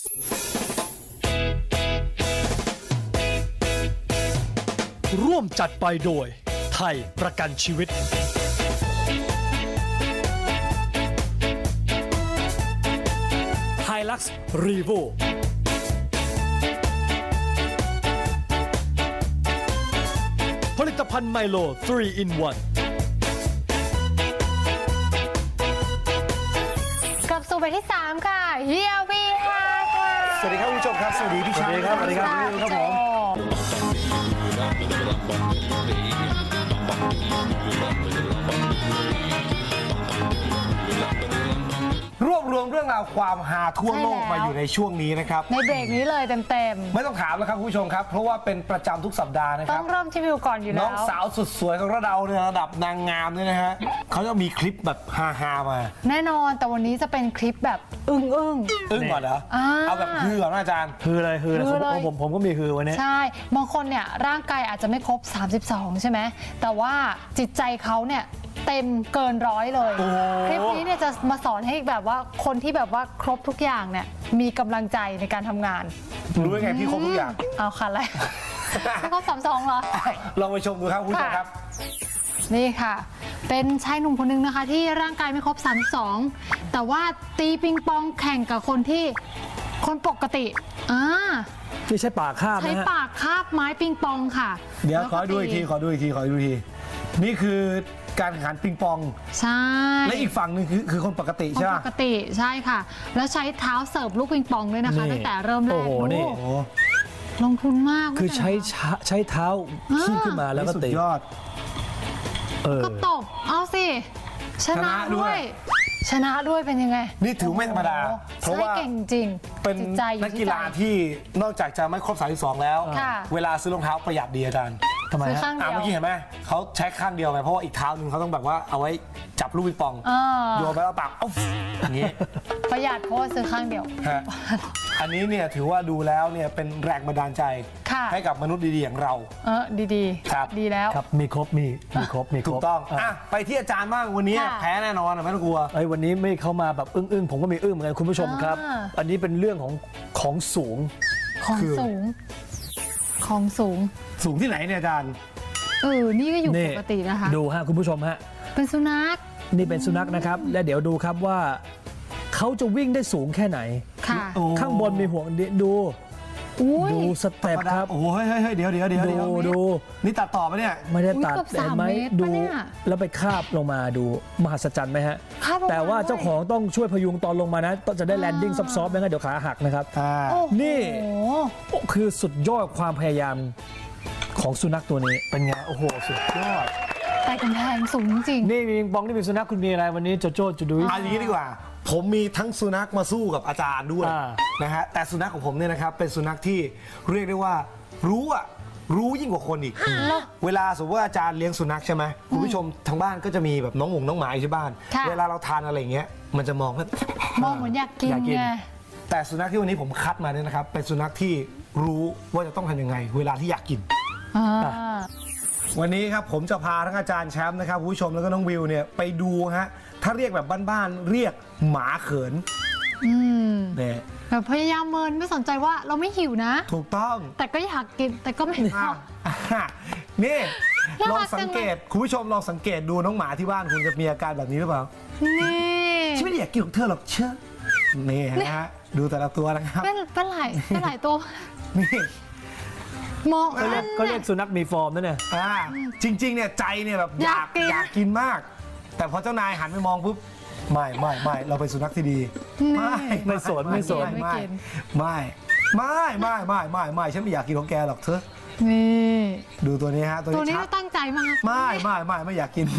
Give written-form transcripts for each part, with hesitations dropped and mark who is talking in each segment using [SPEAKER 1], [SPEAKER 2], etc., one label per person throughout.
[SPEAKER 1] ร่วมจัดไปโดยไทยประกันชีวิตไฮลักซ์รีโวผลิตภัณฑ์ไมโล 3 in 1
[SPEAKER 2] กลับสู่เบรกที่ 3 ค่ะเฮียวีฮาค่ะ
[SPEAKER 3] สวัสดีครับคุณผู้ชมครับสวัสดีพี่ชายครับสวัสดีครับครับผมรวบรวมเรื่องราวความฮาทั่วโลกมาอยู่ในช่วงนี้นะครับ
[SPEAKER 2] ในเบรกนี้เลยเต็ม
[SPEAKER 3] ไม่ต้องถามแล้วครับคุณผู้ชมครับเพราะว่าเป็นประจำทุกสัปดาห์นะ
[SPEAKER 2] ๆ
[SPEAKER 3] ค
[SPEAKER 2] ต้
[SPEAKER 3] รั
[SPEAKER 2] อบ งเริ่มที่วิวก่อนอยู่
[SPEAKER 3] น้
[SPEAKER 2] แล้
[SPEAKER 3] อ
[SPEAKER 2] ว
[SPEAKER 3] งสาวสุดสวยของเราเนี่ยระดับนางงามเนี่ยนะฮะเขาจะมีคลิปแบบฮาๆมา
[SPEAKER 2] แน่นอนแต่วันนี้จะเป็นคลิปแบบอึ้ง
[SPEAKER 3] อึ้งก่อนเหรอเอาแบบฮือก่อนนะอาจารย์
[SPEAKER 1] คืออะไรคืออะไรผมก็มีคือวันนี้
[SPEAKER 2] ใช่บางคนเนี่ยร่างกายอาจจะไม่ครบ 32 ใช่ไหมแต่ว่าจิตใจเขาเนี่ยเต็มเกินร้อยเลย คลิปนี้เนี่ยจะมาสอนให้แบบว่าคนที่แบบว่าครบทุกอย่างเนี่ยมีกำลังใจในการทำงาน
[SPEAKER 3] รู้ยังไงพี่ครบทุกอย่าง
[SPEAKER 2] เอาค่ะอะไร ไม่ครบ32เหรอ
[SPEAKER 3] ลองไปชมดูครับคุณผู้ชมครับ
[SPEAKER 2] นี่ค่ะ เป็นชายหนุ่มคนนึงนะคะที่ร่างกายไม่ครบ 32 แต่ว่าตีปิงปองแข่งกับคนปกติ
[SPEAKER 1] ที่ใช้ปากคาบ
[SPEAKER 2] ใช้
[SPEAKER 1] นะฮะ
[SPEAKER 2] ปากคาบไม้ปิงปองค่ะ
[SPEAKER 3] เดี๋ยว
[SPEAKER 2] แล้ว
[SPEAKER 3] ข
[SPEAKER 2] ก็
[SPEAKER 3] อดูอีกทีนี่คือการแข่งขันปิงปอง
[SPEAKER 2] ใช่
[SPEAKER 3] และอีกฝั่งหนึ่งคือคนปกติ
[SPEAKER 2] คน
[SPEAKER 3] ใช่ไหม
[SPEAKER 2] ปกติใช่ค่ะ แล้วใช้เท้าเสิร์ฟลูกปิงปองด้วยนะคะตั้งแต่เริ่มแรก
[SPEAKER 1] โอ้โหนี่
[SPEAKER 3] โอ้โห
[SPEAKER 2] ลงทุนมาก
[SPEAKER 1] คือใช้เท้าขี้ขึ้นมาแล้วก็
[SPEAKER 3] สุด
[SPEAKER 1] ตี
[SPEAKER 3] ยอด
[SPEAKER 2] ก็ตบเอาสิชนะด้วยชนะด้วยเป็นยังไง
[SPEAKER 3] นี่ถือไม่ธรรมดา
[SPEAKER 2] โอ้โห
[SPEAKER 3] เพราะว่า
[SPEAKER 2] ใช่เก่งจริง
[SPEAKER 3] เป็น
[SPEAKER 2] จิตใจอยู่
[SPEAKER 3] นัก
[SPEAKER 2] ที่
[SPEAKER 3] กีฬา
[SPEAKER 2] ใจ
[SPEAKER 3] ที่นอกจากจะไม่ครบ 32 แล้ว
[SPEAKER 2] ค่ะ
[SPEAKER 3] เวลาซื้อรองเท้าประหยัดดีอาจารย์
[SPEAKER 1] ทำไม
[SPEAKER 2] ซื้อ
[SPEAKER 1] ฮะ
[SPEAKER 2] ข้าง
[SPEAKER 3] เมื่อกี้
[SPEAKER 2] เดียว
[SPEAKER 3] เห็นไหมเขาใช้ข้างเดียวไงเพราะว่าอีกเท้าหนึ่งเขาต้องแบบว่าเอาไว้จับลูกปิงปอง โยนไปแล้วปากอย่างนี้
[SPEAKER 2] ประหยัดเพราะว่าซื้อข้างเดียว
[SPEAKER 3] ฮะอันนี้เนี่ยถือว่าดูแล้วเนี่ยเป็นแรงบันดาลใจ
[SPEAKER 2] ค่ะ
[SPEAKER 3] ให้กับมนุษย์ดีๆอย่างเรา
[SPEAKER 2] ดี
[SPEAKER 3] ครับ
[SPEAKER 2] ดีแล้ว
[SPEAKER 1] ครับมีครบมีครบ
[SPEAKER 3] ถูกต้องอ่ะไปที่อาจารย์บ้างวันนี้
[SPEAKER 2] ค่ะ
[SPEAKER 3] แพ้แน่นอนไม่ต้องกลัว
[SPEAKER 1] ไอ้วันนี้ไม่เข้ามาแบบอึ้งผมก็มีอึ้งเหมือนกันคุณผู้ชมครับ อันนี้เป็นเรื่องของสูง
[SPEAKER 2] ของ
[SPEAKER 3] คือ
[SPEAKER 2] สูง ของสูง
[SPEAKER 3] สูงที่ไหนเนี่ยอาจารย์
[SPEAKER 2] นี่ก็อยู่
[SPEAKER 1] นี่
[SPEAKER 2] ปกตินะคะ
[SPEAKER 1] ดูฮะคุณผู้ชมฮะ
[SPEAKER 2] เป็นสุนัข
[SPEAKER 1] นี่เป็นสุนัขนะครับ และเดี๋ยวดูครับว่าเขาจะวิ่งได้สูงแค่ไหน
[SPEAKER 2] ค่ะ
[SPEAKER 3] โอ้
[SPEAKER 1] ข้างบนมีห่วงดู
[SPEAKER 2] อุ้ย
[SPEAKER 1] ดูสเต็ปครับ
[SPEAKER 3] โอ้โหเฮ้ยเดี๋ยว
[SPEAKER 1] ดู
[SPEAKER 3] นี่ตัดต่อปะเนี่ย
[SPEAKER 1] ไม่ได้ตัด
[SPEAKER 2] เกือบ
[SPEAKER 1] เห็นไหม
[SPEAKER 2] 3 เมตร
[SPEAKER 1] ดู
[SPEAKER 2] ปะเนี่ย
[SPEAKER 1] แล้วไปคาบลงมาดูมหัศจรรย์ไหมฮะ
[SPEAKER 2] คาบลงมา
[SPEAKER 1] แต่ว่าเจ้าของต้องช่วยพยุงตอนลงมานะต้องจะได้แลนดิ้งซอฟต์ๆไม่งั้นเดี๋ยวขาหักนะครับ
[SPEAKER 2] โอ้โห
[SPEAKER 1] นี่ คือสุดยอดความพยายามของสุนัขตัวนี้เป็นไงโอ้โหสุดยอด
[SPEAKER 2] แต่กำแพงสูงจริง
[SPEAKER 1] นี่มีปิงปองนี่เป็นสุนัขคุณมีอะไรวันนี้โจโจ้จูดุย
[SPEAKER 3] เอาอย่างนี้ดีกว่า ผมมีทั้งสุนัขมาสู้กับอาจารย์ด้วย
[SPEAKER 1] อ่า
[SPEAKER 3] นะฮะแต่สุนัขของผมเนี่ยนะครับเป็นสุนัขที่เรียกได้ว่ารู้ยิ่งกว่าคนอีก เวลาสมมติว่าอาจารย์เลี้ยงสุนัขใช่ไหมคุณผู้ชมทางบ้านก็จะมีแบบน้องหมาอยู่ที่บ้าน
[SPEAKER 2] ค่ะ
[SPEAKER 3] เวลาเราทานอะไรอย่างเงี้ยมันจะมองว่า
[SPEAKER 2] มองเหมือนอยากกินไง
[SPEAKER 3] แต่สุนัขที่วันนี้ผมคัดมาเนี่ยนะครับเป็นสุนัขที่รู้ว่าจะต้องทำยังไง เวลาที่อยากกิน วันนี้ครับผมจะพาทั้งอาจารย์แชมป์นะครับคุณผู้ชมแล้วก็น้องวิวเนี่ยไปดูฮะถ้าเรียกแบบบ้านๆเรียกหมาเขินเนี่ย
[SPEAKER 2] แบบพยายามเมินไม่สนใจว่าเราไม่หิวนะ
[SPEAKER 3] ถูกต้อง
[SPEAKER 2] แต่ก็อยากกินแต่ก็ไม่ชอบ
[SPEAKER 3] นี่
[SPEAKER 2] น่า
[SPEAKER 3] ล
[SPEAKER 2] รั
[SPEAKER 3] อง
[SPEAKER 2] กจังเลย
[SPEAKER 3] สังเกตคุณผู้ชมลองสังเกตดูน้องหมาที่บ้านคุณจะมีอาการแบบนี้หรือเปล่า
[SPEAKER 2] นี่
[SPEAKER 3] ฉันไม่ได้อยากกินของเธอหรอกเชื่อนี่นะฮะดูแต่ละตัวนะครับ
[SPEAKER 2] เป็นหลายตัว
[SPEAKER 3] นี่
[SPEAKER 2] มอง
[SPEAKER 1] ก็เรียกสุนัขมีฟอร์มนั่นเนี่ย
[SPEAKER 3] จริงๆเนี่ยใจเนี่ยแบบอยากกินมาก แต่พอเจ้านายหันไปมองปุ๊บไม่เราเป็นสุนัขที่ดีไม่ฉันไม่อยากกินของแกหรอกเธอ
[SPEAKER 2] นี่
[SPEAKER 3] ดูตัวนี้ฮะตัว
[SPEAKER 2] ตัว
[SPEAKER 3] นี้
[SPEAKER 2] นี้
[SPEAKER 3] ชั
[SPEAKER 2] ก็
[SPEAKER 3] ด
[SPEAKER 2] ตั้งใจมาก
[SPEAKER 3] ไม่อยากกิน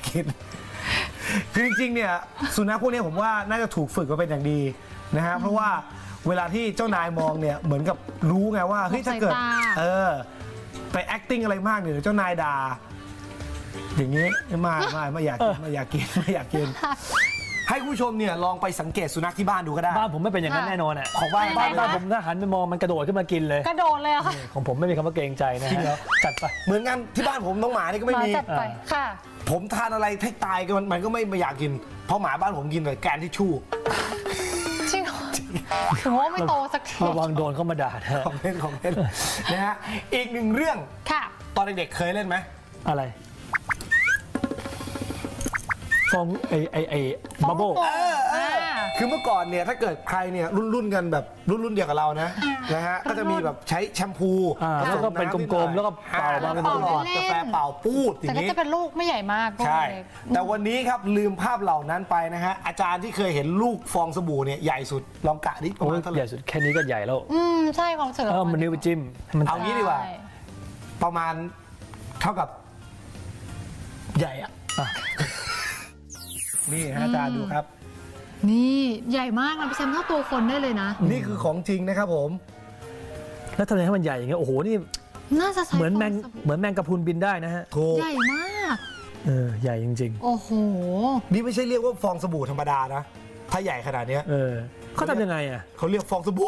[SPEAKER 3] คือจริงๆเนี่ยสุนัขพวกนี้ผมว่าน่าจะถูกฝึกมาเป็นอย่างดีนะฮะเพราะว่าเวลาที่เจ้านายมองเนี่ยเหมือนกับรู้ไงว่าเฮ้ยถ้าเกิดไป acting อะไรมากเนี่ยเดี๋ยวเจ้านายด่าอย่างนี้ไม่อยากกินให้ผู้ชมเนี่ยลองไปสังเกตสุนัขที่บ้านดูก็ได้
[SPEAKER 1] บ้านผมไม่เป็นอย่างนั้นแน่นอนอ่ะ
[SPEAKER 3] ของบ้าน
[SPEAKER 1] บ้านผมถ้าหันไปมองมันกระโดดขึ้นมากินเลย
[SPEAKER 2] กระโดดเลยอะค่ะ
[SPEAKER 1] ของผมไม่มีคำว่าเกรงใจนะ
[SPEAKER 3] จริงเหรอ
[SPEAKER 1] จัดไป
[SPEAKER 3] เหมือนกันที่บ้านผมน้องหมานี่ก็ไม่มี
[SPEAKER 2] จัดไปค่ะ
[SPEAKER 3] ผมทานอะไรให้ตายมันก็ไม่อยากกินเพราะหมาบ้านผมกินแต่แกนทิชชู่
[SPEAKER 2] จริงเหรอถึงว่าไม่โตสักที
[SPEAKER 1] ระวังโดนเข้ามาด่านะ
[SPEAKER 3] ของเล่นนะฮะอีกหนึ่งเรื่อง
[SPEAKER 2] ค่ะ
[SPEAKER 3] ตอนเด็กๆเคยเล่นไหม
[SPEAKER 1] อะไรฟองไอ้บับเบิ้ล
[SPEAKER 3] คือเมื่อก่อนเนี่ยถ้าเกิดใครเนี่ยรุ่นกันแบบรุ่นเดียวกับเรานะฮะก็จะมีแบบใช้แชมพู
[SPEAKER 1] แล้วก็เป็นกลมๆแล้วก็เป่ามาเป็น
[SPEAKER 3] เป่า
[SPEAKER 1] ก้อน
[SPEAKER 3] กาแฟเป่าปูดอ
[SPEAKER 2] แต่
[SPEAKER 3] ย่าง
[SPEAKER 2] ก็
[SPEAKER 3] นี้
[SPEAKER 2] จะเป็นลูกไม่ใหญ่มาก
[SPEAKER 3] ใช่
[SPEAKER 2] เล็ก
[SPEAKER 3] แต่วันนี้ครับลืมภาพเหล่านั้นไปนะฮะอาจารย์ที่เคยเห็นลูกฟองสบู่เนี่ยใหญ่สุดลองกะดิประ
[SPEAKER 1] โอ้
[SPEAKER 3] มาย ณเท่าไห
[SPEAKER 1] ให
[SPEAKER 3] ร่
[SPEAKER 1] ญ่สุดแค่นี้ก็ใหญ่แล้ว
[SPEAKER 2] ใช่ความรู้สึก
[SPEAKER 1] มันนิ้วไปจิ้มให้มัน
[SPEAKER 3] เอางี้ดีกว่า ประมาณเท่ากับใหญ่อะนี่ฮะอาจารย์ดูครับ
[SPEAKER 2] นี่ใหญ่มากนะพี่แชมป์เท่าตัวคนได้เลยนะ
[SPEAKER 3] นี่คือของจริงนะครับผม
[SPEAKER 1] แล้วทำไมให้มันใหญ่อย่างเงี้ยโอ้โหนี่
[SPEAKER 2] น่าจะใช้
[SPEAKER 1] เหมือนแมง
[SPEAKER 2] ฟสบู่
[SPEAKER 1] เหมือนแมงกะพรุนบินได้นะฮะ
[SPEAKER 3] ถูก
[SPEAKER 2] ใหญ่มาก
[SPEAKER 1] ใหญ่จริง
[SPEAKER 2] โอ้โห
[SPEAKER 3] นี่ไม่ใช่เรียกว่าฟองสบู่ธรรมดานะ ถ้าใหญ่ขนาดเนี้ย
[SPEAKER 1] ๆเขาทำยังไงอ่ะ
[SPEAKER 3] เขาเรียกฟองสบู่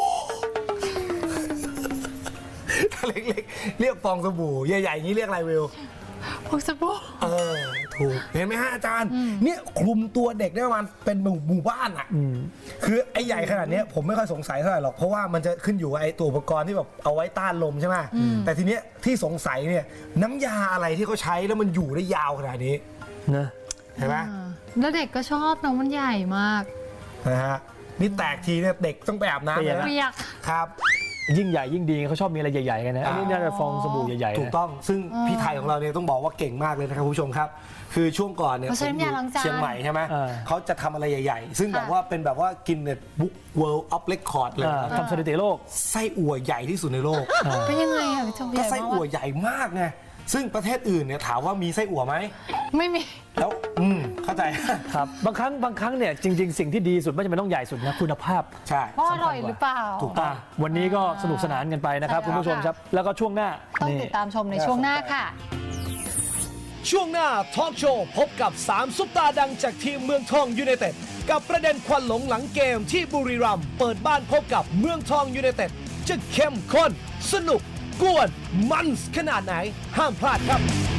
[SPEAKER 3] ถ้าเล็กๆ เรียกฟองสบู่ ใหญ่ๆอย่างนี้เรียกอะไรวิว
[SPEAKER 2] พวกสบู่
[SPEAKER 3] ถูก เห็นไหมฮะอาจารย์ เนี่ยคลุมตัวเด็กได้ประมาณเป็นหมู่บ้านอ่ะ คือไอ้ใหญ่ขนาดเนี้ยผมไม่ค่อยสงสัยเท่าไหร่หรอก เพราะว่ามันจะขึ้นอยู่กับไอ้ตัวอุปกรณ์ที่แบบเอาไว้ต้านลมใช่ไหม แต่ทีเนี้ยที่สงสัยเนี่ยน้ำยาอะไรที่เขาใช้แล้วมันอยู่ได้ยาวขนาดนี้
[SPEAKER 1] นะ
[SPEAKER 3] เห็นไหม
[SPEAKER 2] แล้วเด็กก็ชอบน้องมันใหญ่มาก
[SPEAKER 3] นะฮะ นี่แตกทีเนี่ยเด็กต้องไปอาบน้ำเลยนะ
[SPEAKER 2] เปียก
[SPEAKER 3] ครับ
[SPEAKER 1] ยิ่งใหญ่ยิ่งดีเขาชอบมีอะไรใหญ่ๆกันนะอันนี้น่าจะฟองสบู่ใหญ่ๆ
[SPEAKER 3] ถูกต้อง ซึ่งพี่ไทยของเราเนี่ยต้องบอกว่าเก่งมากเลยนะครับคุณผู้ชมครับ คือช่วงก่อนเนี่ย
[SPEAKER 2] เขาใช้น้ำยาล้างจาน
[SPEAKER 3] เชียงใหม่ใช่ไหมเขาจะทำอะไรใหญ่ๆ ซึ่งแบบว่าเป็นแบบว่ากินเนี่ยบุ๊ก World of Record เลยนะ
[SPEAKER 1] ทำสถิติโลก
[SPEAKER 3] ไส้อั่วใหญ่ที่สุดในโลก
[SPEAKER 2] เป็นยังไงอ่ะพี่โจให
[SPEAKER 3] ก็
[SPEAKER 2] ญ่
[SPEAKER 3] ไส้
[SPEAKER 2] มา
[SPEAKER 3] อั่ว
[SPEAKER 2] ก
[SPEAKER 3] ใหญ่มากไง ซึ่งประเทศอื่นเนี่ยถามว่ามีไส้อั่วไหม
[SPEAKER 2] ไม่มี
[SPEAKER 3] แล้วเข้าใจ
[SPEAKER 1] ครับบางครั้งเนี่ยจริง ๆ สิ่งที่ดีสุดไม่จำเป็นต้องใหญ่สุดนะคุณภาพ
[SPEAKER 3] ใช่
[SPEAKER 2] ว่าอร่อยหรือเปล่า
[SPEAKER 3] ถูกต้อง
[SPEAKER 1] วันนี้ก็สนุกสนานกันไปนะครับ
[SPEAKER 2] ใช่
[SPEAKER 1] คุณผู้ชม
[SPEAKER 2] ค่ะ
[SPEAKER 1] ครับ แล้วก็ช่วงหน้า
[SPEAKER 2] ต้อง
[SPEAKER 1] นี่
[SPEAKER 2] ติดตามชมในช่วงหน้าค่ะ
[SPEAKER 4] ช่วงหน้าทอล์กโชว์พบกับ 3 ซุปตาดังจากทีมเมืองทองยูไนเต็ดกับประเด็นควันหลงหลังเกมที่บุรีรัมย์เปิดบ้านพบกับเมืองทองยูไนเต็ดจะเข้มข้น สนุก กวน มันขนาดไหน ห้ามพลาดครับ